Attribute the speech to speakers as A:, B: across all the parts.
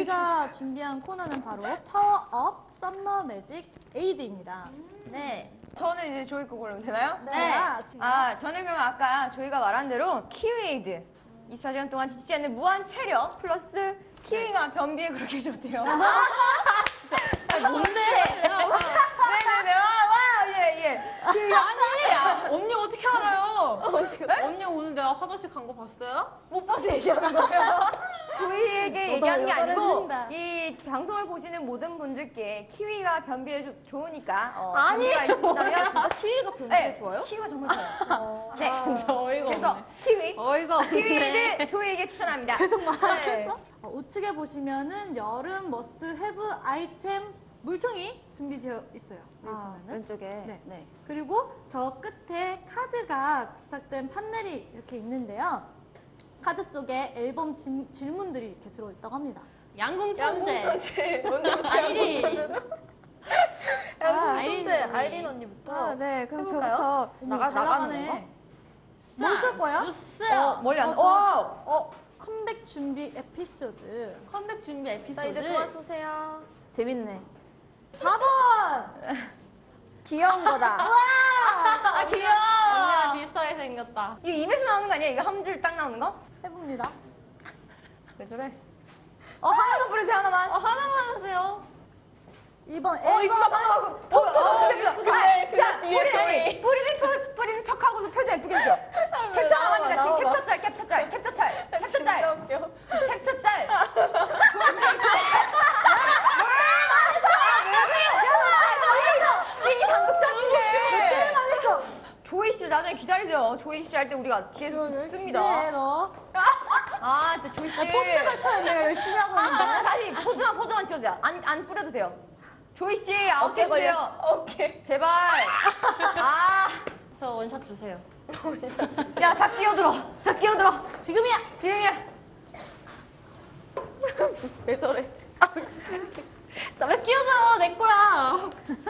A: 저희가 준비한 코너는 바로 파워업 썸머 매직 에이드입니다.
B: 네.
C: 저는 이제 조이 거 고르면 되나요?
A: 네.
C: 저는 그러면 아까 저희가 말한 대로 키위에이드. 24시간 동안 지치지 않는 무한 체력 플러스 키위가 변비에 그렇게 좋대요.
B: 뭔데?
C: 네네네. 예.
B: 아니, 언니 어떻게 알아요? 언니 오늘 내가 화장실 간 거 봤어요?
C: 못 봐서 얘기하는 거예요. 조이에게 얘기하는 게 아니고
A: 떨어진다.
C: 이 방송을 보시는 모든 분들께 키위가 변비에 좋으니까
B: 아니에요.
C: 변비가 있으시다면
B: 진짜
C: 키위가 변비에 좋아요? 키위가 정말 좋아요. 네.
B: 진짜 어이가
C: 그래서
B: 없네.
C: 키위.
B: 어이가 없네.
C: 키위를 조이에게 추천합니다.
A: 계속 말하겠어?
C: 네.
A: 우측에 보시면은 여름 머스트 헤브 아이템 물총이 준비되어 있어요. 여기 보면은.
C: 왼쪽에.
A: 네. 그리고 저 끝에 카드가 부착된 판넬이 이렇게 있는데요. 카드 속에 앨범 질문들이 이렇게 들어있다고 합니다.
B: 양궁천재.
C: 양궁천재. 먼저부터
B: 아이린.
C: 양궁천재죠?
B: 양궁천재.
D: 아이린 언니부터.
C: 네. 그럼
D: 해볼까요?
C: 저부터
A: 잘 나가네. 뭘 쓸 거야?
B: 주세요.
C: 멀리 안.
A: 컴백 준비 에피소드.
B: 컴백 준비 에피소드.
D: 자, 이제 그만 쏘세요.
C: 재밌네.
A: 4번!
D: 귀여운 거다.
C: 아 귀여워.
B: 언니랑 비슷하게 생겼다.
C: 이거 입에서 나오는 거 아니야? 이거 한 줄 딱 나오는 거?
A: 해봅니다.
C: 왜 저래? 하나만 뿌리세요, 하나만.
D: 하나만 하세요.
A: 2번
C: 이거 하고. 진짜 그래, 자, 뿌리는 척하고서 표정 예쁘게 해줘. 캡처 나갑니다. 지금 캡처 짤. 씨, 단독샷인데.
A: 망했어!
C: 조이 씨 나중에 기다리세요. 조이 씨 할 때 우리가 뒤에서 듣습니다.
A: 네, 너.
C: 진짜 조이 씨.
A: 폰트만처럼 내가 열심히 하고 있는데.
C: 다시 포즈만 지어주세요. 안 뿌려도 돼요. 조이 씨 아웃해 주세요. 오케이. 제발.
B: 저 원샷 주세요.
C: 야, 다 끼어들어.
A: 지금이야!
C: 왜 저래?
B: 나 왜 끼어들어? 내 거야.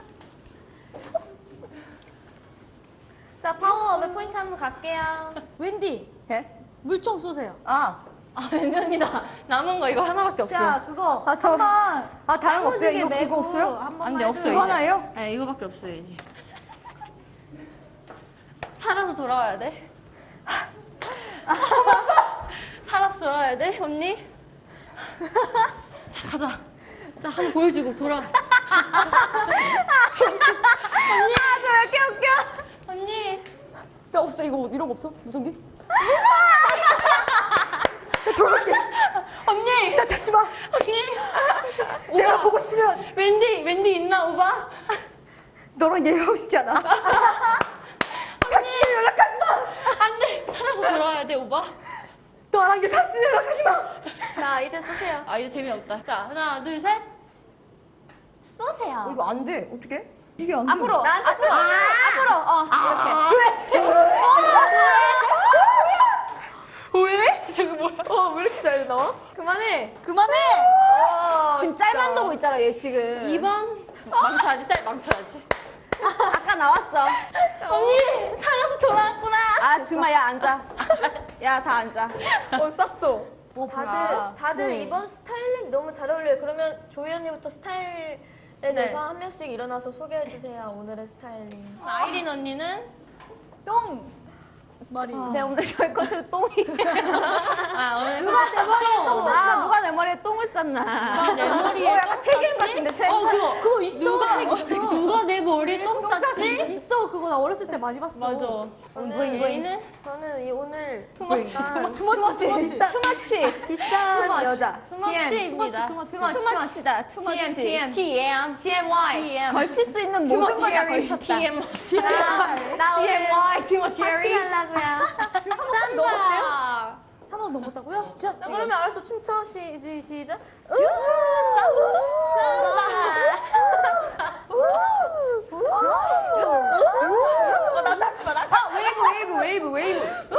D: 자, 파워업의 포인트 한번 갈게요.
A: 웬디,
C: 예?
A: 물총 쏘세요.
B: 왠지 언니다. 남은 거 이거 하나밖에 없어.
A: 자, 그거
C: 저.
A: 한번
C: 다른 거 없어요? 이거
A: 메고
C: 없어요?
A: 한 번만
B: 안 돼,
A: 해줘요.
B: 없어요.
C: 이거 하나예요?
B: 네, 이거밖에 없어요, 이제. 살아서 돌아와야 돼. 살아서 돌아와야 돼, 언니. 자, 가자. 자, 한번 보여주고 돌아. 언니.
C: 저 왜 이렇게 웃겨?
B: 언니.
C: 야, 없어. 이거 이런 거 없어? 무전기? 나 돌아갈게.
B: 언니.
C: 나 찾지 마.
B: 언니.
C: 내가 보고 싶으면
B: 웬디 있나, 오바?
C: 너랑 얘기하고 싶지 않아. 다시 연락하지 마.
B: 안 돼. 살아서 돌아와야 돼, 오바.
C: 너랑 이제 다시 연락하지 마.
D: 자, 이제 쏘세요.
B: 이제 재미없다. 자, 하나, 둘, 셋. 쏘세요.
C: 이거 안 돼. 어떻게? 이게 안 돼.
B: 앞으로.
C: 나한테 쏘. 앞으로. 이렇게.
B: 왜? 저거 뭐야?
C: 왜 이렇게 잘 나와? 그만해.
D: 지금 짤만 보고 있잖아, 얘 지금.
B: 2번. 망쳐야지, 짤 망쳐야지.
D: 아까 나왔어.
B: 언니, 살아서 돌아왔구나.
D: 정말 야, 앉아. 야, 다 앉아.
C: 쌌어.
D: 다들 이번 스타일링 너무 잘 어울려요. 그러면 조이 언니부터 스타일에 대해서 한 명씩 일어나서 소개해 주세요. 오늘의 스타일링.
B: 아이린 언니는
A: 똥! 머리.
C: 네, 오늘 저희 것은 똥이.
B: 오늘
A: 누가 내 머리에 똥 쌌어?
C: 누가 내 머리에 똥을 쌌나.
B: 누가 내 머리에
C: 약간 책임 같은데, 책임.
B: 그거
A: 있어,
B: 누가,
A: 책 있어.
B: 누가 내 머리에 똥 쌌지?
A: 있어, 그거 나 어렸을 때 많이 봤어.
B: 맞아. 얘는
D: 저는 오늘
B: 투머치.
D: 비싼 여자.
B: 투머치입니다.
C: 투머치다.
B: TM.
C: TMY. 걸칠 수 있는 모든 걸 다 걸쳤다.
B: TM.
D: 나 오늘
C: TMY.
D: 파티 하려고요.
B: 삼바.
A: 3번 넘었다고요? 진짜?
D: 자, 그러면 알았어. 춤춰. 시작.
C: 나 찾지 마. 웨이브.